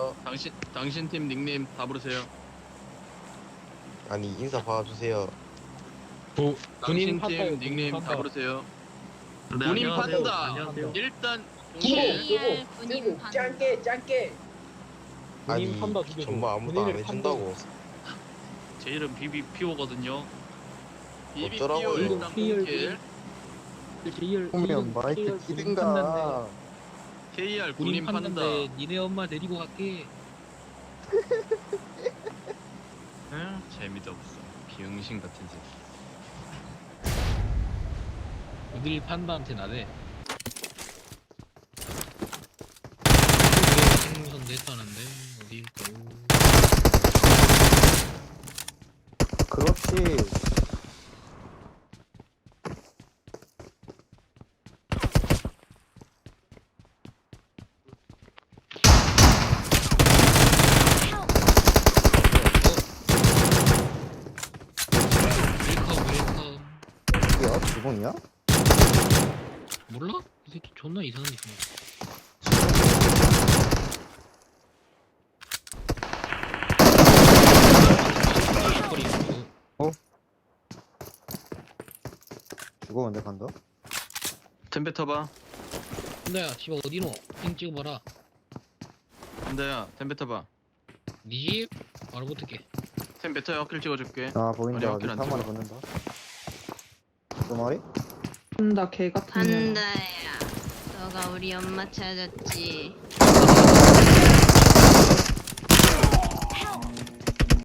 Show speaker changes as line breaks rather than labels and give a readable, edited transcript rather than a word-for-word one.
받아주세요.
당신 팀 닉네임 다 부르세요.
아니 인사 받아주세요.
당신
판다요,
팀 닉네임
판다.
다 부르세요.
네,
군인
안녕하세요.
판다.
안녕하세요.
일단
끼고
공개.
요거 끼고 짱깨 짱깨.
아니
군인 판다 죽여줘.
정말 아무도 안
군인을
해준다고.
제 이름 BBPO거든요.
어쩌라고요?
BBPO 일단 공개.
보면 마이크 키든가.
KR 군인 판다.
니네 엄마 데리고 갈게.
응? 재미도 없어. 비응신 같은 새끼.
어딜 판다한테 나대. 생선도 했다는데 어딜까요?
그렇지.
웰컴.
야, 주공이야?
몰라? 이 새끼 존나 이상한 게 있어.
주고 언제 간다?
템베 터봐.
근데야 집에 어디노? 핑 찍어봐라.
한다야 템베 터봐.
니 집? 바로 붙을게.
템베 터야 어필 찍어줄게.
아, 보인다.
어디
밑에
안
한 마리
찍어?
붙는다. 두 마리?
나 개 같은 년.
판다야, 너가 우리 엄마 찾았지?